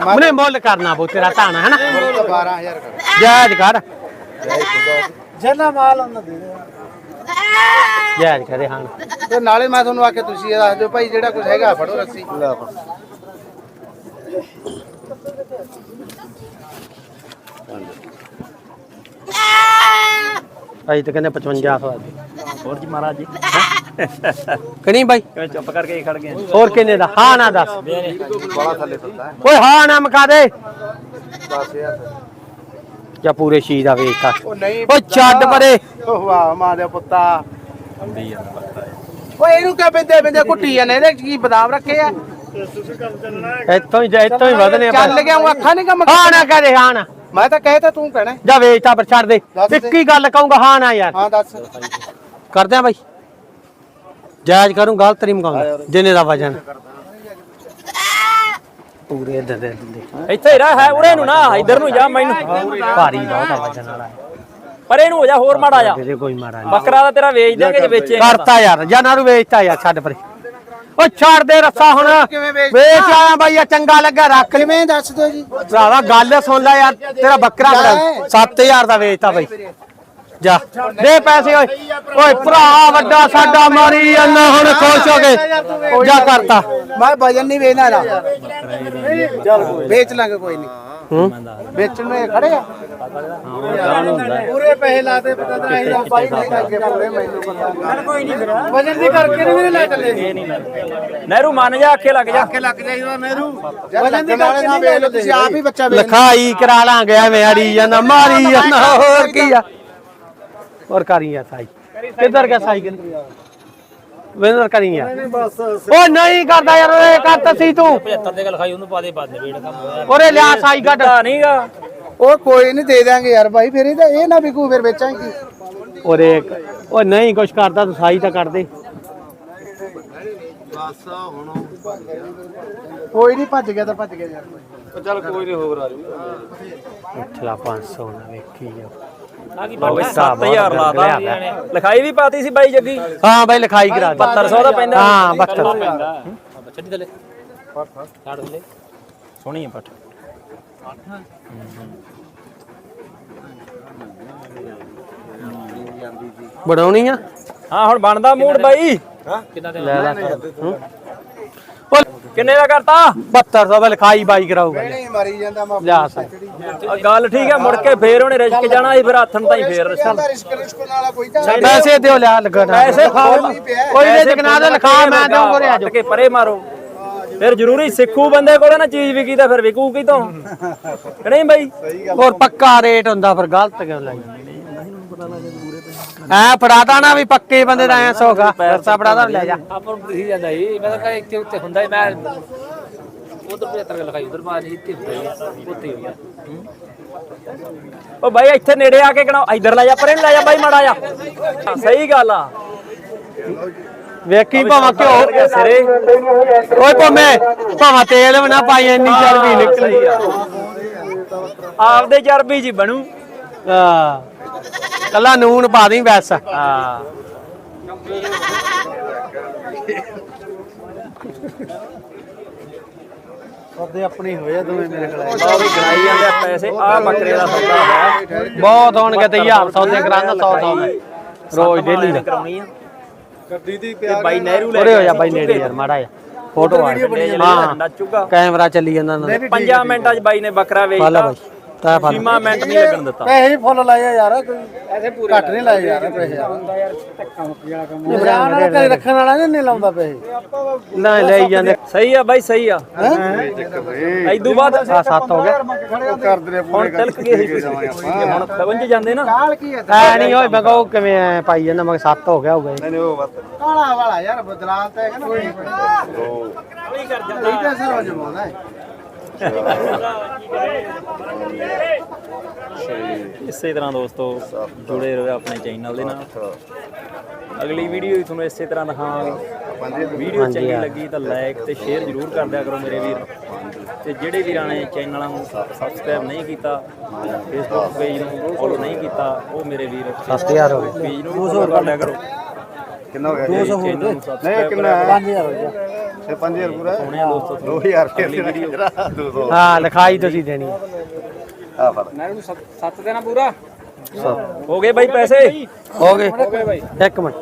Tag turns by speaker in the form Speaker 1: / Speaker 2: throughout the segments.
Speaker 1: ਉਹਨੇ ਮੁੱਲ ਕਰਨਾ ਬੋ ਤੇਰਾ ਧਾਣਾ ਹੈ ਨਾ
Speaker 2: 12000 ਕਰ
Speaker 1: ਜਾਇਜ਼ ਕਰ
Speaker 2: ਜਿੰਨਾ ਮਾਲ ਉਹਨਾਂ ਦੇ ਦੇ
Speaker 1: ਜਾਇਜ਼ ਕਰੇ ਹਾਂ
Speaker 2: ਤੇ ਨਾਲੇ ਮੈਂ ਤੁਹਾਨੂੰ ਆਖਿਆ ਤੁਸੀਂ ਇਹ ਦੱਸ ਦਿਓ ਭਾਈ ਜਿਹੜਾ ਕੁਝ ਹੈਗਾ ਫੜੋ ਰੱਸੀ ਲੈ ਫੜ
Speaker 1: ਭਾਈ ਤੇ ਕਹਿੰਦੇ 5500
Speaker 3: ਹੋਰ ਜੀ ਮਹਾਰਾਜ ਜੀ
Speaker 1: ਕਨੀ ਬਾਈ
Speaker 3: ਕਿਵੇਂ ਚੁੱਪ ਕਰਕੇ ਖੜ ਗਏ
Speaker 1: ਹੋਰ ਕਿੰਨੇ ਦਾ ਹਾਂ ਨਾ ਦੱਸ
Speaker 2: ਬੜਾ ਥੱਲੇ ਫਿਰਦਾ ਹੈ
Speaker 1: ਓਏ ਹਾਂ ਨਾ ਮਕਾ ਦੇ
Speaker 2: 10000
Speaker 1: ਜਾਂ ਪੂਰੇ ਸ਼ੀ ਦਾ ਵੇਚਤਾ
Speaker 2: ਉਹ ਨਹੀਂ
Speaker 1: ਓ ਛੱਡ ਪਰੇ
Speaker 2: ਓ ਵਾਹ ਮਾਂ ਦੇ ਪੁੱਤਾ
Speaker 3: ਅੰਦੀ ਜਾਂਦਾ ਪਤਾ
Speaker 2: ਓਏ ਇਹਨੂੰ ਕਿਆ ਬਿੰਦੇ ਬਿੰਦੇ ਕੁੱਟੀ ਜਾਂਦੇ ਇਹਦੇ ਕੀ ਬਦਾਮ ਰੱਖੇ ਆ
Speaker 1: ਇੱਥੋਂ ਹੀ ਵਧਨੇ ਆ
Speaker 2: ਚੱਲ ਗਿਆ ਉਹ ਅੱਖਾਂ ਨਹੀਂ ਕੰਮ
Speaker 1: ਹਾਂ ਨਾ ਕਹਦੇ ਹਾਂ ਨਾ
Speaker 2: ਮੈਂ ਤਾਂ ਕਹਿ ਤਾ ਤੂੰ ਕਹਿਣਾ
Speaker 1: ਜਾ ਵੇਚਤਾ ਪਰ ਛੱਡ ਦੇ
Speaker 2: ਦੱਸ ਦੇ।
Speaker 1: ਇੱਕੀ ਗੱਲ ਕਹੂੰਗਾ ਹਾਂ ਨਾ ਯਾਰ
Speaker 2: ਹਾਂ ਦੱਸ
Speaker 1: ਕਰਦੇ ਆ ਬਾਈ ਜਾਇਜ਼ ਕਰੂੰ ਗਲਤ ਨਹੀਂ ਮਕਾਉਂਦਾ ਜਿੰਨੇ ਦਾ ਵਜਨ ਪੂਰੇ ਦੇ ਦਿੰਦੇ
Speaker 3: ਇੱਥੇ ਹੀ ਰਹਿ ਹੈ ਉਰੇ ਨੂੰ ਨਾ ਇੱਧਰ ਨੂੰ ਜਾ ਮੈਨੂੰ
Speaker 1: ਭਾਰੀ ਬਹੁਤ ਆ ਵਜਨ ਵਾਲਾ
Speaker 3: ਪਰ ਇਹਨੂੰ ਹੋ ਜਾ ਹੋਰ ਮਾੜਾ ਜਾ
Speaker 1: ਤੇਰੇ ਕੋਈ ਮਾਰਾ ਨਹੀਂ
Speaker 3: ਬੱਕਰਾ ਦਾ ਤੇਰਾ ਵੇਚ ਦਿਆਂਗੇ ਜੇ ਵੇਚੇ
Speaker 1: ਕਰਤਾ ਯਾਰ ਜਾਂ ਨਾ ਨੂੰ ਵੇਚਤਾ ਯਾਰ ਛੱਡ ਪਰੇ ਓ ਛੱਡ ਦੇ ਰੱਸਾ ਹੁਣ
Speaker 2: ਕਿਵੇਂ ਵੇਚ
Speaker 1: ਵੇਚ ਆਇਆ ਬਾਈ ਆ ਚੰਗਾ ਲੱਗਾ ਰੱਖ ਲਈ
Speaker 2: ਕਿਵੇਂ ਦੱਸ ਦਿਓ ਜੀ
Speaker 1: ਭਰਾਵਾ ਗੱਲ ਸੁਣ ਲੈ ਯਾਰ ਤੇਰਾ ਬੱਕਰਾ ਬੜਾ 7000 ਦਾ ਵੇਚਤਾ ਬਾਈ ਜਾ ਦੇ ਪੈਸੇ ਓਏ ਓਏ ਭਰਾ ਵੱਡਾ ਸਾਡਾ ਮਾਰੀ ਜਾਂਦਾ ਹੁਣ ਖੁਸ਼ ਹੋ ਕੇ ਜਾ ਕਰਤਾ
Speaker 2: ਮੈਂ ਵਜਨ ਨਹੀਂ ਵੇਚਣਾ ਨਾ ਚੱਲ ਵੇਚ ਲਾਂਗੇ ਕੋਈ ਨਹੀਂ
Speaker 1: ਹੂੰ
Speaker 2: ਵੇਚਣ ਨੂੰ ਇਹ ਖੜੇ ਆ ਪੂਰੇ ਪੈਸੇ ਲਾਤੇ ਪਤਾ ਤਾਂ ਅਸੀਂ ਤਾਂ ਬਾਈ ਨਹੀਂ ਲੱਗੇ ਪੂਰੇ ਮੈਨੂੰ ਪਤਾ ਕੋਈ ਨਹੀਂ ਫਿਰ ਵਜਨ ਦੀ ਕਰਕੇ ਨਹੀਂ ਲੈ ਚੱਲੇ
Speaker 3: ਨਹਿਰੂ ਮੰਨ ਜਾ ਆਖੇ ਲੱਗ ਜਾ
Speaker 2: ਲੱਗ ਜਾਈਦਾ ਨਹਿਰੂ ਵਜਨ ਦੀ ਕਰਕੇ ਨਾ ਵੇਚ ਲਓ ਤੁਸੀਂ ਆਪ ਹੀ ਬੱਚਾ ਵੇਚ
Speaker 1: ਲਿਖਾਈ ਕਰਾ ਲਾਂਗੇ ਐਵੇਂ ਅੜੀ ਜਾਂਦਾ ਮਾਰੀ ਜਾਂਦਾ ਹੋਰ ਕੀ ਆ ਹੋਰ ਕਰੀ ਆ ਸਾਈ ਕਿੱਧਰ ਗਿਆ ਸਾਈ ਕਿੱਧਰ ਵੇਂਦਰ ਕਰੀ ਆ ਓ ਨਹੀਂ ਕਰਦਾ ਯਾਰ ਓਏ ਕਰਤਾ ਸੀ ਤੂੰ
Speaker 3: 75 ਦੇ ਲਿਖਾਈ ਉਹਨੂੰ ਪਾ ਦੇ ਬਾਦ ਵੇੜ ਕੰਮ ਹੋਇਆ
Speaker 1: ਓਰੇ ਲਿਆ ਸਾਈ ਕੱਢ
Speaker 3: ਨਹੀਂਗਾ
Speaker 2: ਉਹ ਕੋਈ ਨਹੀਂ ਦੇ ਦਾਂਗੇ ਯਾਰ ਭਾਈ ਫਿਰ ਇਹ ਨਾ ਵਿਕੂ ਫਿਰ ਵੇਚਾਂਗੇ
Speaker 1: ਓਰੇ ਓ ਨਹੀਂ ਕੁਛ ਕਰਦਾ ਤੂੰ ਸਾਈ ਤਾਂ ਕੱਢ ਦੇ
Speaker 2: ਬਸ ਹੁਣ ਕੋਈ ਨਹੀਂ ਭੱਜ ਗਿਆ ਤਾਂ ਭੱਜ ਗਿਆ ਯਾਰ ਚੱਲ ਕੋਈ ਨਹੀਂ ਹੋਰ ਆ ਜੂ
Speaker 1: ਚਲਾ 500 ਨਾ ਵੇਖੀ ਜਾ
Speaker 3: ਨਾ ਕੀ 7000 ਲਾਤਾ ਲਿਖਾਈ ਵੀ ਪਾਤੀ ਸੀ ਬਾਈ ਜੱਗੀ
Speaker 1: ਹਾਂ ਬਾਈ ਲਿਖਾਈ ਕਰਾ ਦੇ
Speaker 3: 7200 ਦਾ ਪੈਂਦਾ
Speaker 1: ਹਾਂ 72
Speaker 3: ਛੱਡੀ ਥੱਲੇ ਛੱਡ ਥੱਲੇ ਸੋਹਣੀ ਹੈ ਪੱਠ
Speaker 1: ਬਣਾਉਣੀ ਆ
Speaker 3: ਹਾਂ ਹੁਣ ਬਣਦਾ ਮੂਡ ਬਾਈ ਕਿੰਨਾ ਦੇ
Speaker 1: ਲੈ ਲੈ
Speaker 3: ਕਿੰਨੇ ਦਾ ਕਰਤਾ
Speaker 1: 7200 ਦਾ ਲਿਖਾਈ ਬਾਈ ਕਰਾਊਗਾ
Speaker 2: ਨਹੀਂ ਮਰੀ ਜਾਂਦਾ ਮੈਂ
Speaker 1: ਲਿਆ ਸਾਈ
Speaker 3: ਆ ਗੱਲ ਠੀਕ ਹੈ ਮੁੜ ਕੇ ਫੇਰ ਉਹਨੇ ਰਿਸਕ ਜਾਣਾ ਸੀ ਫਿਰ ਹੱਥਣ ਤਾਂ ਹੀ ਫੇਰ
Speaker 2: ਰਿਸਕ ਵਾਲਾ ਕੋਈ ਤਾਂ
Speaker 1: ਪੈਸੇ ਦਿਓ ਲਿਆ ਲੱਗਣਾ
Speaker 3: ਪੈਸੇ ਖਾਓ
Speaker 1: ਕੋਈ ਨੇ ਜਗਨਾ ਦਾ ਲਿਖਾ ਮੈਂ ਦਊਂਗਾ ਰੇ ਆਜੋ
Speaker 3: ਕੇ ਪਰੇ ਮਾਰੋ ਫਿਰ ਜ਼ਰੂਰੀ ਸਿੱਖੂ ਬੰਦੇ ਕੋਲ ਨਾ ਚੀਜ਼ ਵਿਕੀ ਤਾਂ ਫਿਰ ਵਿਕੂ ਕੀ ਤੋਂ ਨਹੀਂ ਬਾਈ
Speaker 1: ਹੋਰ ਪੱਕਾ ਰੇਟ ਹੁੰਦਾ ਫਿਰ ਗਲਤ ਕਿਉਂ ਲਾਈ ਐ ਫੜਾਦਾ ਨਾ ਵੀ ਪੱਕੇ ਬੰਦੇ ਦਾ ਐ ਸੋਗਾ ਪੈਸਾ ਫੜਾਦਾ ਲੈ ਜਾ
Speaker 3: ਆਪਾਂ ਨੂੰ ਦਿਖ ਜਾਂਦਾ ਸੀ ਮੈਂ ਤਾਂ ਕਹਾਂ ਇੱਥੇ ਉੱਤੇ ਹੁੰਦਾ ਮੈਂ ਉਧਰ 75 ਲਿਖਾਈ ਉਧਰ ਬਾਅਦ ਇੱਥੇ ਹੁੰਦਾ ਉੱਤੇ ਹੋਈ ਉਹ ਬਾਈ ਇੱਥੇ ਨੇੜੇ ਆ ਕੇ ਕਿਹੜਾ ਇੱਧਰ ਲੈ ਜਾ ਪਰੇ ਨੂੰ ਲੈ ਜਾ ਬਾਈ ਮਾੜਾ ਜਾ ਸਹੀ ਗੱਲ ਆ
Speaker 1: ਵੇਖੀ ਭਾਵੇਂ ਘਿਓ
Speaker 3: ਸਿਰੇ
Speaker 1: ਓਏ ਭਾਵੇਂ ਤੇਲ ਵੀ ਨਾ ਪਾਈ ਇੰਨੀ ਚਰਬੀ ਨਿਕਲੀ ਆ
Speaker 3: ਆਪਦੇ ਚਰਬੀ ਜੀ ਬਣੂ
Speaker 1: ਹਾਂ ਕੱਲਾ ਨੂਨ ਪਾ ਦੀ ਬਸ
Speaker 3: ਹਾਂ
Speaker 2: ਉਹਦੇ ਆਪਣੀ ਹੋਏ ਦੋਵੇਂ ਮੇਰੇ ਕੋਲ
Speaker 3: ਆ ਵੀ ਗਣਾਈ ਜਾਂਦੇ ਆ ਪੈਸੇ ਆ ਬੱਕਰੇ ਦਾ ਸੌਦਾ ਹੈ
Speaker 1: ਬਹੁਤ ਹੋਣਗੇ ਤੇ 1000 ਸੌਦੇ ਕਰਾਂਦਾ 100 ਮੈਂ ਰੋਜ਼ ਡੇਲੀ ਦਾ
Speaker 3: ਕਰਾਉਣੀ ਆ
Speaker 2: ਗੱਡੀ ਦੀ
Speaker 3: ਤੇ ਬਾਈ ਨਹਿਰੂ ਲੈ
Speaker 1: ਉਰੇ ਹੋ ਜਾ ਬਾਈ ਨੇੜੇ ਯਾਰ ਮਾੜਾ ਜਾ ਫੋਟੋ ਆ ਹਾਂ
Speaker 3: ਨੱਚੂਗਾ
Speaker 1: ਕੈਮਰਾ ਚੱਲੀ ਜਾਂਦਾ ਨਾ
Speaker 3: 5 ਮਿੰਟਾਂ 'ਚ ਬਾਈ ਨੇ ਬੱਕਰਾ
Speaker 1: ਫਾਲਾ
Speaker 3: ਵੇਚਤਾ
Speaker 1: ਬਾਈ ਤਾਂ ਫਾਲਾ
Speaker 3: ਸੀਮਾ ਮਿੰਟ ਨਹੀਂ ਲੱਗਣ ਦਿੱਤਾ
Speaker 2: ਪੈਸੇ ਵੀ ਫੁੱਲ ਲਾਏ ਆ ਯਾਰ ਕੋਈ ਐਸੇ ਪੂਰੇ ਘੱਟ ਨਹੀਂ ਲਾਏ ਯਾਰ ਪੈਸੇ ਯਾਰ ਧੱਕਾ ਮੁੱਕ ਜਾਣਾ ਕੰਮ ਬਰਾਨ ਵਾਲਾ ਘਰੇ ਰੱਖਣ ਵਾਲਾ ਨਹੀਂ ਲਾਉਂਦਾ ਪੈਸੇ
Speaker 1: ਨਾ ਲੈ ਜਾਂਦੇ
Speaker 3: ਸਹੀ ਆ ਬਾਈ ਸਹੀ ਆ ਐਦੂ ਬਾਅਦ
Speaker 1: ਆ 7 ਹੋ ਗਿਆ
Speaker 2: ਕਰਦੇ ਨੇ
Speaker 3: ਹੁਣ ਤਿਲਕ ਗਏ ਸੀ ਹੁਣ 55 ਜਾਂਦੇ ਨਾ
Speaker 2: ਕਾਲ ਕੀ ਹੈ
Speaker 1: ਐ ਨਹੀਂ ਓਏ ਮੈਂ ਕਹੋ ਕਿਵੇਂ ਐ ਪਾਈ ਜਾਂਦਾ ਮੈਂ 7 ਹੋ ਗਿਆ ਹੋਊਗਾ
Speaker 2: ਨਹੀਂ ਉਹ ਬਸ ਕਾਲਾ ਵਾਲਾ ਯਾਰ ਬਦਲਾਅ ਤਾਂ ਹੈਗਾ ਨਾ ਕੋਈ ਕਰ ਜਾਂਦਾ ਇਹ ਤਾਂ ਸਰ ਹੋ ਜਮਾਉਂਦਾ ਹੈ
Speaker 3: ਇਸੇ ਤਰ੍ਹਾਂ ਦੋਸਤੋ ਜੁੜੇ ਰਹੋ ਆਪਣੇ ਚੈਨਲ ਦੇ ਨਾਲ ਅਗਲੀ ਵੀਡੀਓ ਵੀ ਤੁਹਾਨੂੰ ਇਸੇ ਤਰ੍ਹਾਂ ਦਿਖਾਵਾਂਗੇ ਵੀਡੀਓ ਚੰਗੀ ਲੱਗੀ ਤਾਂ ਲਾਈਕ ਤੇ ਸ਼ੇਅਰ ਜ਼ਰੂਰ ਕਰ ਦਿਆ ਕਰੋ ਮੇਰੇ ਵੀਰ ਤੇ ਜਿਹੜੇ ਵੀਰਾਂ ਨੇ ਚੈਨਲਾਂ ਨੂੰ ਸਬਸਕ੍ਰਾਈਬ ਨਹੀਂ ਕੀਤਾ ਫੇਸਬੁੱਕ ਪੇਜ ਨੂੰ ਫੋਲੋ ਨਹੀਂ ਕੀਤਾ ਉਹ ਮੇਰੇ ਵੀਰ
Speaker 1: 7000 ਹੋ ਗਏ
Speaker 3: ਪੇਜ ਨੂੰ ਫੋਲੋ ਕਰ ਲਿਆ ਕਰੋ
Speaker 2: ਕਿੰਨਾ ਹੋ ਗਿਆ
Speaker 3: 200
Speaker 2: ਨਹੀਂ ਕਿੰਨਾ
Speaker 1: 5000 ਹੋ ਗਿਆ
Speaker 2: ਸੇ 5000 ਪੂਰਾ
Speaker 3: ਸੋਹਣੇ ਆ ਦੋਸਤੋ
Speaker 2: 2000 ਰੁਪਏ ਵੀਡੀਓ 200
Speaker 1: ਹਾਂ ਲਿਖਾਈ ਤੁਸੀਂ ਦੇਣੀ
Speaker 2: ਆ ਫੜ
Speaker 4: ਮੈਂ ਇਹਨੂੰ 7 ਦੇਣਾ ਪੂਰਾ
Speaker 3: ਹੋ ਗਏ ਬਾਈ ਪੈਸੇ
Speaker 1: ਹੋ ਗਏ
Speaker 4: ਬਾਈ
Speaker 1: ਇੱਕ ਮਿੰਟ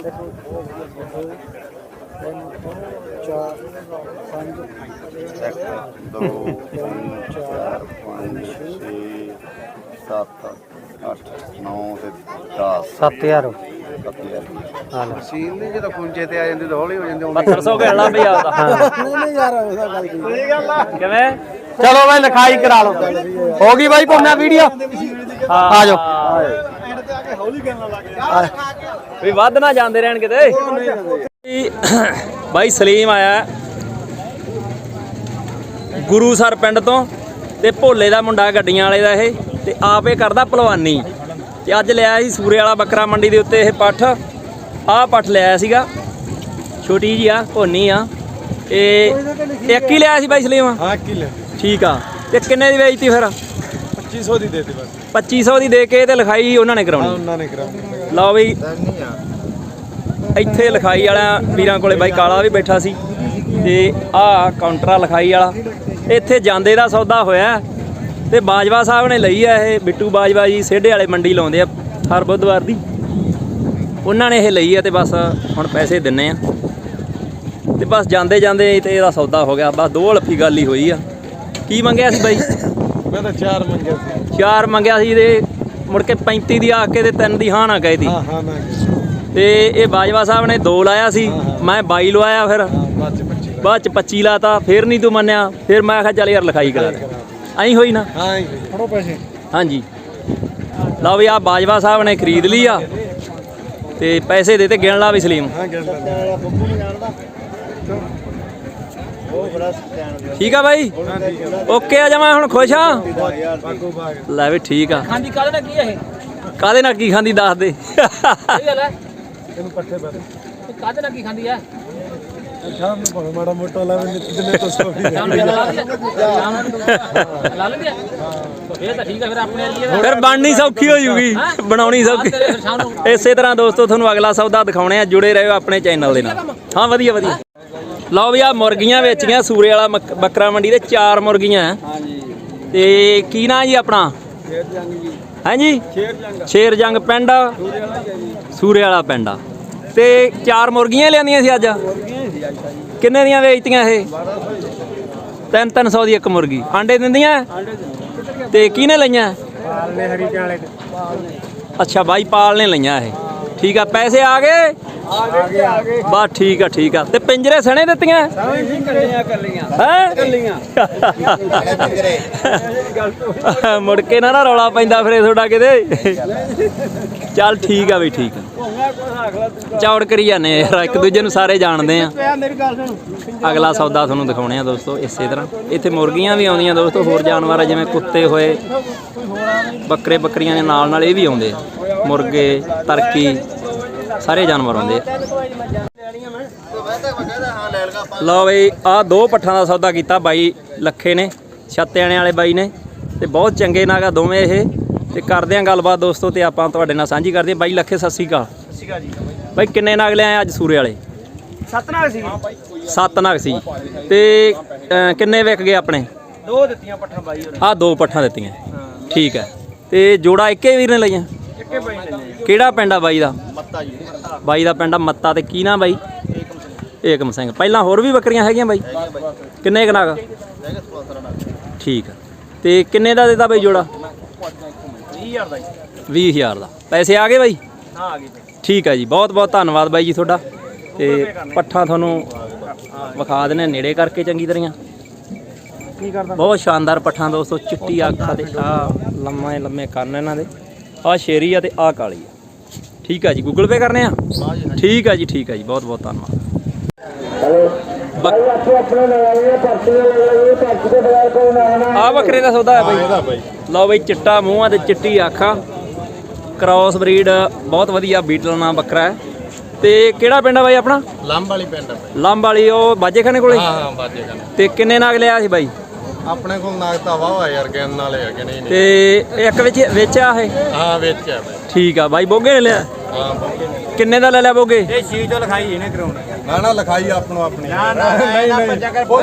Speaker 2: 1 2 3 4 5 6 7 8 9 ਤੇ 10
Speaker 1: 7000 ਹਾਂ ਲੈ।
Speaker 2: ਸੀਲ ਨਹੀਂ ਜਦੋਂ ਪੁੰਚੇ ਤੇ ਆ ਜਾਂਦੇ ਤਾਂ ਹੌਲੀ ਹੋ ਜਾਂਦੇ
Speaker 3: 7200 ਘੜਨਾ ਬਈ ਆਪਦਾ
Speaker 2: ਨਹੀਂ ਯਾਰ ਉਹਦਾ ਗੱਲ ਕੀ ਸਹੀ ਗੱਲ ਆ
Speaker 3: ਕਿਵੇਂ
Speaker 1: ਚਲੋ ਬਾਈ ਲਿਖਾਈ ਕਰਾ ਲਓ ਹੋ ਗਈ ਬਾਈ ਕੋਨਾ ਵੀਡੀਓ ਆ ਜਾਓ
Speaker 3: ਵੀ ਵੱਧ ਨਾ ਜਾਂਦੇ ਰਹਿਣ ਕਿਤੇ ਬਾਈ ਸਲੀਮ ਆਇਆ ਗੁਰੂਸਰ ਪਿੰਡ ਤੋਂ ਤੇ ਭੋਲੇ ਦਾ ਮੁੰਡਾ ਗੱਡੀਆਂ ਵਾਲੇ ਦਾ ਇਹ ਤੇ ਆਪੇ ਕਰਦਾ ਭਲਵਾਨੀ ਤੇ ਅੱਜ ਲਿਆ ਸੀ ਸੂਰੇ ਵਾਲਾ ਬੱਕਰਾ ਮੰਡੀ ਦੇ ਉੱਤੇ ਇਹ ਪੱਠ ਆਹ ਪੱਠ ਲਿਆਇਆ ਸੀਗਾ ਛੋਟੀ ਜੀ ਆ ਭੋਨੀ ਆ ਇਹ ਇੱਕ ਹੀ ਲਿਆ ਸੀ ਬਾਈ ਸਲੀਮ
Speaker 2: ਹਾਂ ਕਿਲੇ
Speaker 3: ਠੀਕ ਆ ਤੇ ਕਿੰਨੇ ਦੀ ਵੇਚਤੀ ਫਿਰ
Speaker 2: 2500 ਦੀ ਦੇਤੀ ਬਸ
Speaker 3: 2500 ਦੀ ਦੇ ਕੇ ਤੇ ਲਿਖਾਈ ਉਹਨਾਂ ਨੇ ਕਰਾਉਣੀ
Speaker 2: ਉਹਨਾਂ ਨੇ ਕਰਾਉਣੀ
Speaker 3: ਲਓ ਬਈ ਇੱਥੇ ਲਿਖਾਈ ਵਾਲਾ ਵੀਰਾਂ ਕੋਲੇ ਬਾਈ ਕਾਲਾ ਵੀ ਬੈਠਾ ਸੀ ਤੇ ਆਹ ਕਾਊਂਟਰ ਆ ਲਿਖਾਈ ਵਾਲਾ ਇੱਥੇ ਜਾਂਦੇ ਦਾ ਸੌਦਾ ਹੋਇਆ ਤੇ ਬਾਜਵਾ ਸਾਹਿਬ ਨੇ ਲਈ ਆ ਇਹ ਬਿੱਟੂ ਬਾਜਵਾ ਜੀ ਸੇਢੇ ਵਾਲੇ ਮੰਡੀ ਲਾਉਂਦੇ ਆ ਹਰ ਬੁੱਧਵਾਰ ਦੀ ਉਹਨਾਂ ਨੇ ਇਹ ਲਈ ਆ ਤੇ ਬਸ ਹੁਣ ਪੈਸੇ ਦਿੰਨੇ ਆ ਤੇ ਬਸ ਜਾਂਦੇ ਜਾਂਦੇ ਤੇ ਇਹਦਾ ਸੌਦਾ ਹੋ ਗਿਆ ਬਸ ਦੋ ਹਲਫੀ ਗੱਲ ਹੀ ਹੋਈ ਆ ਕੀ ਮੰਗਿਆ ਸੀ ਬਾਈ
Speaker 2: ਮੈਂ ਤਾਂ 4 ਮੰਗਿਆ ਸੀ
Speaker 3: 4 ਮੰਗਿਆ ਸੀ ਤੇ ਮੁੜ ਕੇ 35 ਦੀ ਆ ਕੇ ਤੇ 3 ਦੀ ਹਾਂ ਨਾ ਕਹੀ ਦੀ
Speaker 2: ਹਾਂ ਨਾ
Speaker 3: ਤੇ ਇਹ ਬਾਜਵਾ ਸਾਹਿਬ ਨੇ 2 ਲਾਇਆ ਸੀ ਮੈਂ 22 ਲਵਾਇਆ ਫਿਰ ਬਾਅਦ ਚ 25 ਲਾਤਾ ਫਿਰ ਨਹੀਂ ਤੂੰ ਮੰਨਿਆ ਫਿਰ ਮੈਂ ਕਿਹਾ ਚੱਲ ਯਾਰ ਲਿਖਾਈ ਕਰਾ ਦੇ ਐਂ ਹੋਈ ਨਾ
Speaker 2: ਹਾਂ ਫੜੋ ਪੈਸੇ
Speaker 3: ਹਾਂਜੀ ਲਓ ਵੀ ਆ ਬਾਜਵਾ ਸਾਹਿਬ ਨੇ ਖਰੀਦ ਲਈ ਆ ਤੇ ਪੈਸੇ ਦੇ ਤੇ ਗਿਣ ਲਾ ਵੀ ਸਲੀਮ
Speaker 2: ਹਾਂ ਗੱਲ ਬੱਬੂ ਨਹੀਂ ਜਾਣਦਾ ਉਹ ਬੜਾ ਸਟੈਂਡ
Speaker 3: ਠੀਕ ਆ ਬਾਈ ਓਕੇ ਆ ਜਾ ਮੈਂ ਹੁਣ ਖੁਸ਼ ਆ
Speaker 2: ਬਾਗੋ ਬਾਗ
Speaker 3: ਲੈ ਵੀ ਠੀਕ ਆ
Speaker 4: ਖਾਂਦੀ ਕਾਹਦੇ ਨਾਲ ਕੀ ਹੈ ਇਹ
Speaker 3: ਕਾਦੇ ਨਾਲ ਕੀ ਖਾਂਦੀ ਦੱਸ ਦੇ
Speaker 4: ਸਹੀ ਗੱਲ ਹੈ
Speaker 2: ਇਹਨੂੰ ਪੱਠੇ ਪਾ
Speaker 4: ਇਹ ਕਾਹਦੇ ਨਾਲ ਕੀ ਖਾਂਦੀ ਹੈ
Speaker 2: ਸ਼ਾਮ ਨੂੰ ਭਾਵੇਂ ਮਾੜਾ ਮੋਟਾ ਲਾਵੇ ਨਿੱਤ ਦਿਨੇ ਤੋਂ ਸੋ ਵੀ
Speaker 4: ਸ਼ਾਮ ਨੂੰ ਲਾ ਲਿਆ ਲਾ ਲਿਆ ਇਹ ਤਾਂ ਠੀਕ ਹੈ ਫਿਰ ਆਪਣੇ ਲਈ
Speaker 3: ਫਿਰ ਬਣਨੀ ਸੌਖੀ ਹੋ ਜੂਗੀ ਬਣਾਉਣੀ ਸੌਖੀ
Speaker 4: ਸ਼ਾਮ ਨੂੰ
Speaker 3: ਇਸੇ ਤਰ੍ਹਾਂ ਦੋਸਤੋ ਤੁਹਾਨੂੰ ਅਗਲਾ ਸੌਦਾ ਦਿਖਾਉਣੇ ਆ ਜੁੜੇ ਰਹੋ ਆਪਣੇ ਚੈਨਲ ਦੇ ਨਾਲ ਹਾਂ ਵਧੀਆ ਵਧੀਆ ਲਓ ਵੀ ਆ ਮੁਰਗੀਆਂ ਵੇਚੀਆਂ ਸੂਰੇ ਵਾਲਾ ਬੱਕਰਾ ਮੰਡੀ ਦੇ 4 ਮੁਰਗੀਆਂ
Speaker 4: ਹਾਂਜੀ
Speaker 3: ਤੇ ਕੀ ਨਾਂ ਜੀ ਆਪਣਾ
Speaker 4: ਸ਼ੇਰ ਜੰਗ ਜੀ
Speaker 3: ਹਾਂਜੀ
Speaker 4: ਸ਼ੇਰ ਜੰਗ
Speaker 3: ਸ਼ੇਰ ਜੰਗ ਪਿੰਡ
Speaker 4: ਸੂਰੇ ਵਾਲਾ ਜੀ
Speaker 3: ਸੂਰੇ ਵਾਲਾ ਪਿੰਡ ਆ ਤੇ 4 ਮੁਰਗੀਆਂ ਲਿਆਂਦੀਆਂ ਸੀ ਅੱਜ ਕਿੰਨੇ ਦੀਆਂ ਵੇਚਤੀਆਂ ਇਹ 300 ਦੀ ਇੱਕ ਮੁਰਗੀ ਆਂਡੇ ਦਿੰਦੀਆਂ ਤੇ ਕਿਹਨੇ ਲਈਆਂ
Speaker 2: ਪਾਲਨੇ ਹਰੀਕਾਂ ਵਾਲੇ
Speaker 3: ਅੱਛਾ ਬਾਈ ਪਾਲ ਨੇ ਲਈਆਂ ਇਹ ਠੀਕ ਆ ਪੈਸੇ ਆ ਗਏ
Speaker 2: ਆ ਗਏ
Speaker 3: ਬਸ ਠੀਕ ਆ ਤੇ ਪਿੰਜਰੇ ਸਣੇ ਦਿੱਤੀਆਂ ਹੈ ਮੁੜ ਕੇ ਨਾ ਰੌਲਾ ਪੈਂਦਾ ਫਿਰ ਤੁਹਾਡਾ ਕਿਤੇ ਚੱਲ ਠੀਕ ਆ ਬਈ ਠੀਕ ਆ ਚੌੜ ਕਰੀ ਜਾਂਦੇ ਯਾਰ ਇੱਕ ਦੂਜੇ ਨੂੰ ਸਾਰੇ ਜਾਣਦੇ ਆ
Speaker 2: ਮੇਰੀ ਗੱਲ ਸੁਣ
Speaker 3: ਅਗਲਾ ਸੌਦਾ ਤੁਹਾਨੂੰ ਦਿਖਾਉਣੇ ਆ ਦੋਸਤੋ ਇਸੇ ਤਰ੍ਹਾਂ ਇੱਥੇ ਮੁਰਗੀਆਂ ਵੀ ਆਉਂਦੀਆਂ ਦੋਸਤੋ ਹੋਰ ਜਾਨਵਰ ਆ ਜਿਵੇਂ ਕੁੱਤੇ ਹੋਏ ਬੱਕਰੇ ਬੱਕਰੀਆਂ ਦੇ ਨਾਲ ਇਹ ਵੀ ਆਉਂਦੇ ਆ ਮੁਰਗੇ ਤਰਕੀ ਸਾਰੇ ਜਾਨਵਰ ਆਉਂਦੇ ਆ ਲਓ ਬਈ ਆਹ 2 ਪੱਠਾਂ ਦਾ ਸੌਦਾ ਕੀਤਾ ਬਾਈ ਲੱਖੇ ਨੇ ਛੱਤਿਆਣੇ ਵਾਲੇ ਬਾਈ ਨੇ ਤੇ ਬਹੁਤ ਚੰਗੇ ਨਾਗਾ ਦੋਵੇਂ ਇਹ ਤੇ ਕਰਦੇ ਆ ਗੱਲਬਾਤ ਦੋਸਤੋ ਤੇ ਆਪਾਂ ਤੁਹਾਡੇ ਨਾਲ ਸਾਂਝੀ ਕਰਦੇ ਆ ਬਾਈ ਲੱਖੇ ਸਤਿ ਸ਼੍ਰੀ ਅਕਾਲ
Speaker 4: ਜੀ
Speaker 3: ਬਾਈ ਕਿੰਨੇ ਨਾਗ ਲਿਆਏ ਅੱਜ ਸੂਰੇ ਵਾਲੇ
Speaker 4: 7 ਨਾਲ ਸੀ
Speaker 3: 7 ਨਾਗ ਸੀ ਤੇ ਕਿੰਨੇ ਵਿਕ ਗਏ ਆਪਣੇ
Speaker 4: 2 ਦਿੱਤੀਆਂ ਪੱਠਾਂ ਬਾਈ ਹੋਰ
Speaker 3: ਆਹ 2 ਪੱਠਾਂ ਦਿੱਤੀਆਂ ਠੀਕ ਹੈ ਤੇ ਜੋੜਾ ਇੱਕੇ ਵੀਰ ਨੇ ਲਈਆਂ
Speaker 4: ਇੱਕੇ ਬਾਈ ਲੈਣੇ
Speaker 3: ਕਿਹੜਾ ਪਿੰਡ ਆ ਬਾਈ ਦਾ
Speaker 4: ਮੱਤਾ ਜੀ
Speaker 3: ਬਾਈ ਦਾ ਪਿੰਡ ਆ ਮੱਤਾ ਤੇ ਕੀ ਨਾ ਬਾਈ ਏਕਮ ਸਿੰਘ ਪਹਿਲਾਂ ਹੋਰ ਵੀ ਬੱਕਰੀਆਂ ਹੈਗੀਆਂ ਬਾਈ ਕਿੰਨੇ ਕੁ ਨਾਗ ਠੀਕ ਆ ਤੇ ਕਿੰਨੇ ਦਾ ਦਿੱਤਾ ਬਾਈ ਜੋੜਾ
Speaker 4: 20000 ਦਾ
Speaker 3: 20000 ਦਾ ਪੈਸੇ ਆ ਗਏ ਬਾਈ
Speaker 4: ਹਾਂ ਆ ਗਈ
Speaker 3: ਠੀਕ ਆ ਜੀ ਬਹੁਤ ਬਹੁਤ ਧੰਨਵਾਦ ਬਾਈ ਜੀ ਤੁਹਾਡਾ ਤੇ ਪੱਠਾਂ ਤੁਹਾਨੂੰ ਵਿਖਾ ਦਿੰਦੇ ਨੇੜੇ ਕਰਕੇ ਚੰਗੀ ਤਰ੍ਹਾਂ
Speaker 4: ਕੀ ਕਰਦਾ
Speaker 3: ਬਹੁਤ ਸ਼ਾਨਦਾਰ ਪੱਠਾਂ ਦੋਸਤੋ ਚਿੱਟੀ ਅੱਖ ਤੇ ਆ ਲੰਮੇ ਲੰਮੇ ਕੰਨ ਇਹਨਾਂ ਦੇ ਆ ਸ਼ੇਰੀ ਆ ਤੇ ਆ ਕਾਲੀ ਆ ਠੀਕ ਆ ਜੀ ਗੂਗਲ ਪੇ ਕਰਨੇ ਆ ਠੀਕ ਆ ਜੀ ਬਹੁਤ ਬਹੁਤ ਧੰਨਵਾਦ ਆ ਬੱਕਰੇ ਦਾ ਸੌਦਾ ਹੈ ਬਾਈ ਲਓ ਬਾਈ ਚਿੱਟਾ ਮੂੰਹ ਆ ਤੇ ਚਿੱਟੀ ਅੱਖਾਂ ਕ੍ਰਾਸ ਬਰੀਡ ਬਹੁਤ ਵਧੀਆ ਬੀਟਲ ਨਾਲ ਬੱਕਰਾ ਹੈ ਤੇ ਕਿਹੜਾ ਪਿੰਡ ਆ ਬਾਈ ਆਪਣਾ
Speaker 2: ਲੰਬ ਵਾਲੀ ਪਿੰਡ
Speaker 3: ਲੰਬ ਵਾਲੀ ਉਹ ਬਾਜੇਖਾਨੇ ਕੋਲੇ
Speaker 2: ਹਾਂ ਬਾਜੇ ਕਰਨ
Speaker 3: ਤੇ ਕਿੰਨੇ ਨਾਗ ਲਿਆ ਸੀ ਬਾਈ
Speaker 2: ਆਪਣੇ ਕੋਲ ਨਾਗ ਤਾਂ ਵਾਹ ਯਾਰ ਗਿਣਨ ਵਾਲੇ ਹੈਗੇ ਨਹੀਂ
Speaker 3: ਤੇ ਇੱਕ ਵਿੱਚ ਆ ਇਹ
Speaker 2: ਹਾਂ ਵਿੱਚ ਹੈ ਬਾਈ
Speaker 3: ਠੀਕ ਆ ਬਾਈ ਬੋਗੇ ਨੇ ਲਿਆ ਕਿੰਨੇ ਦਾ ਲੈ ਲਿਆ ਬੋਗੇ?
Speaker 2: ਇਹ ਛੀ ਚੋਂ ਲਿਖਾਈ ਇਹਨੇ ਕਰਾਉਣੀ
Speaker 5: ਨਾ ਨਾ ਲਿਖਾਈ ਆਪਣੋ ਆਪਣੀ
Speaker 2: ਨਾ ਨਹੀਂ ਨਹੀਂ
Speaker 5: ਉਹ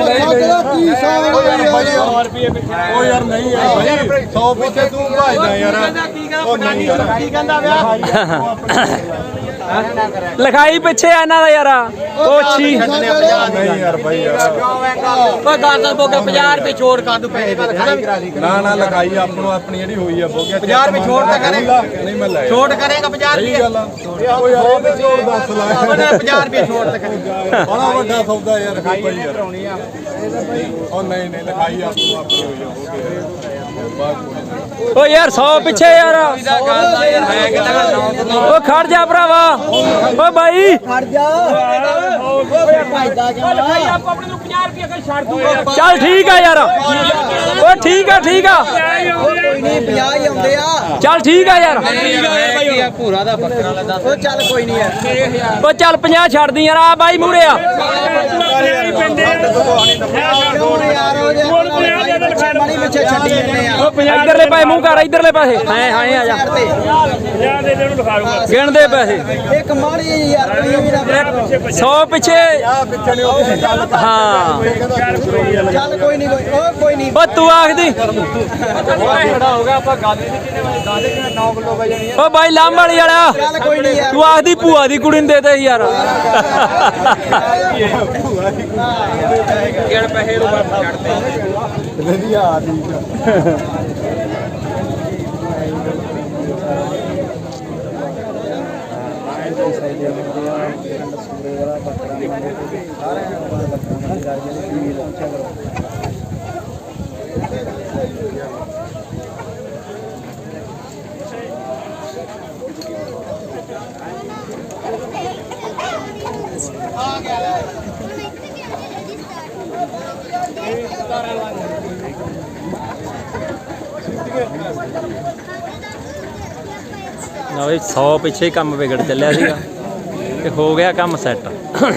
Speaker 5: ਯਾਰ ਨਹੀਂ ਯਾਰ ਭਾਈ 100 ਪਿੱਛੇ ਤੂੰ ਭਾਜਦਾ ਯਾਰ ਉਹ ਨਹੀਂ ਯਾਰ
Speaker 1: ਕੀ ਕਹਿੰਦਾ ਵਿਆਹ
Speaker 3: ਲਿਖਾਈ ਪਿੱਛੇ ਆ ਇਹਨਾਂ ਦਾ ਯਾਰ ਕੋਚੀ
Speaker 5: ਨਹੀਂ ਯਾਰ ਭਾਈ ਯਾਰ
Speaker 1: ਓਏ ਗਾਰਡਨ ਬੋਗਾ 50 ਰੁਪਏ ਛੋੜ ਕਰ ਦੂ ਪੈਸੇ
Speaker 5: ਨਾ ਨਾ ਲਿਖਾਈ ਆਪਣੋ ਆਪਣੀ ਜਿਹੜੀ ਹੋਈ ਆ ਬੋਗਿਆ
Speaker 1: 50 ਰੁਪਏ ਛੋੜ ਤਾਂ ਕਰੇਗਾ
Speaker 5: ਨਹੀਂ ਮੈਂ ਲੈ
Speaker 1: ਛੋੜ ਕਰੇਗਾ 50
Speaker 5: ਸਹੀ
Speaker 1: ਰੁਪਏ
Speaker 5: ਗੱਲ ਆ ਉਹ ਯਾਰ ਇਹ ਤੇ ਛੋੜ ਦੱਸ ਲਾ
Speaker 1: 50 ਰੁਪਏ ਛੋੜ ਤਾਂ ਕਰੇਗਾ
Speaker 5: ਬੜਾ ਵੱਡਾ ਸੌਦਾ ਯਾਰ ਕੋਈ ਭਾਈ ਯਾਰ ਉਹ ਨਹੀਂ ਨਹੀਂ ਲਿਖਾਈ ਆਪਣੋ ਆਪਣੀ ਹੋਈ ਆ ਬੋਗਿਆ ਬਾਤ ਕੋਈ ਨਹੀਂ
Speaker 3: ਓ ਯਾਰ 100 ਪਿੱਛੇ ਯਾਰ ਓ ਖੜ ਜਾ ਭਰਾਵਾ ਓ ਬਾਈ
Speaker 2: ਖੜ ਜਾ ਓਏ ਫਾਇਦਾ
Speaker 3: ਚੱਲ ਠੀਕ ਆ ਯਾਰ ਓ ਠੀਕ ਆ ਠੀਕ ਆ
Speaker 2: ਕੋਈ ਨਹੀਂ 50 ਹੀ ਆਉਂਦੇ ਆ
Speaker 3: ਚੱਲ ਠੀਕ ਆ ਯਾਰ
Speaker 1: ਭੂਰਾ ਦਾ ਬੱਕਰਾ ਵਾਲਾ ਦੱਸ
Speaker 2: ਉਹ ਚੱਲ ਕੋਈ ਨਹੀਂ ਯਾਰ
Speaker 3: ਓ ਚੱਲ 50 ਛੱਡਦੀ ਯਾਰ ਆ ਬਾਈ ਮੂਰੇ ਆ
Speaker 2: ਕਿਉਂ ਯਾਰ ਉਹ ਮਾੜੀ ਪਿੱਛੇ ਛੱਡੀ ਜਾਂਦੇ ਆ
Speaker 3: ਇਧਰਲੇ ਪਾਸੇ ਮੂੰਹ ਕਰ ਇਧਰਲੇ ਪਾਸੇ ਹਾਂ ਹਾਂ ਆ ਜਾ ਗਿਣਦੇ ਪੈਸੇ
Speaker 2: ਇੱਕ ਮਾੜੀ ਯਾਰ ਵੀ ਨਾ
Speaker 3: 100 ਪਿੱਛੇ ਹਾਂ
Speaker 2: ਚੱਲ ਕੋਈ ਨਹੀਂ ਕੋਈ ਨਹੀਂ
Speaker 3: ਓ ਤੂੰ ਆਖਦੀ
Speaker 1: ਖੜਾ ਹੋ ਗਿਆ ਆਪਾਂ ਗੱਲ ਨਹੀਂ ਕਿਨੇ ਦਾਦੇ ਕਿਨੇ 9 ਕਿਲੋ ਪੈ ਜਾਣੀ
Speaker 3: ਓ ਬਾਈ ਲਾਮ ਵਾਲੀ ਵਾਲਾ
Speaker 2: ਚੱਲ ਕੋਈ ਨਹੀਂ ਯਾਰ
Speaker 3: ਤੂੰ ਆਖਦੀ ਭੂਆ ਦੀ ਕੁੜੀ ਨੂੰ ਦੇ ਦੇ ਯਾਰ
Speaker 1: ਕਿਹੜੇ ਪੈਸੇ ਨੂੰ ਛੱਡਦੇ
Speaker 5: ਵਧੀਆ ਠੀਕ ਆ
Speaker 3: ਨਾ ਬਈ 100 ਪਿੱਛੇ ਹੀ ਕੰਮ ਵਿਗੜ ਚੱਲਿਆ ਸੀਗਾ ਤੇ ਹੋ ਗਿਆ ਕੰਮ ਸੈੱਟ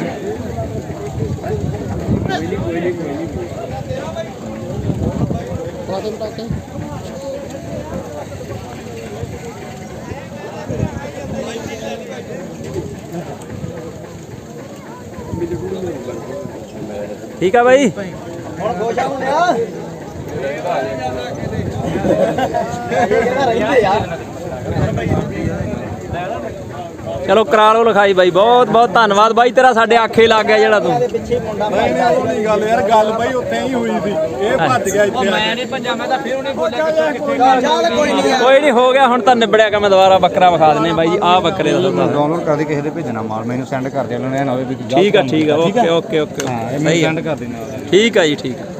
Speaker 3: ਠੀਕ ਆ ਬਾਈ
Speaker 2: ਹੁਣ ਖੁਸ਼ ਆ ਮੁੰਡਿਆ ਰਹਿੰਦੇ ਯਾਰ
Speaker 3: ਚਲੋ ਕਰਾ ਲਓ ਲਿਖਾਈ ਬਾਈ ਬਹੁਤ ਬਹੁਤ ਧੰਨਵਾਦ ਬਾਈ ਤੇਰਾ ਸਾਡੇ ਆਖੇ ਲੱਗ ਗਿਆ ਜਿਹੜਾ ਤੂੰ
Speaker 2: ਪਿੱਛੇ ਮੁੰਡਾ
Speaker 5: ਨਹੀਂ ਨਹੀਂ ਉਹ ਨਹੀਂ ਗੱਲ ਯਾਰ ਗੱਲ ਭਾਈ ਉੱਥੇ ਹੀ ਹੋਈ ਸੀ ਇਹ ਭੱਜ ਗਿਆ ਇੱਥੇ ਆ
Speaker 1: ਮੈਂ ਨਹੀਂ ਭੱਜਾ ਮੈਂ ਤਾਂ ਫਿਰ ਉਹਨੇ ਬੋਲਿਆ ਕਿੱਥੇ
Speaker 2: ਚੱਲ ਕੋਈ ਨਹੀਂ ਯਾਰ
Speaker 3: ਕੋਈ ਨਹੀਂ ਹੋ ਗਿਆ ਹੁਣ ਤਾਂ ਨਿਬੜਿਆ ਕੰਮ ਦੁਬਾਰਾ ਬੱਕਰਾ ਵਿਖਾ ਦਿੰਨੇ ਬਾਈ ਜੀ ਆਹ ਬੱਕਰੇ ਦਾ ਸੌਦਾ
Speaker 5: ਡਾਊਨਲੋਡ ਕਰਦੇ ਕਿਸੇ ਦੇ ਭੇਜਣਾ ਮਾਲ ਮੈਨੂੰ ਸੈਂਡ ਕਰ ਦੇ ਉਹਨਾਂ ਨੇ ਨਾ ਹੋਵੇ ਵੀ
Speaker 3: ਠੀਕ ਆ ਓਕੇ ਓਕੇ ਓਕੇ
Speaker 5: ਹਾਂ ਇਹ
Speaker 3: ਸਹੀ
Speaker 5: ਮੈਨੂੰ
Speaker 3: ਆ
Speaker 5: ਸੈਂਡ ਕਰ ਦੇਣਾ
Speaker 3: ਠੀਕ ਆ ਜੀ ਠੀਕ ਆ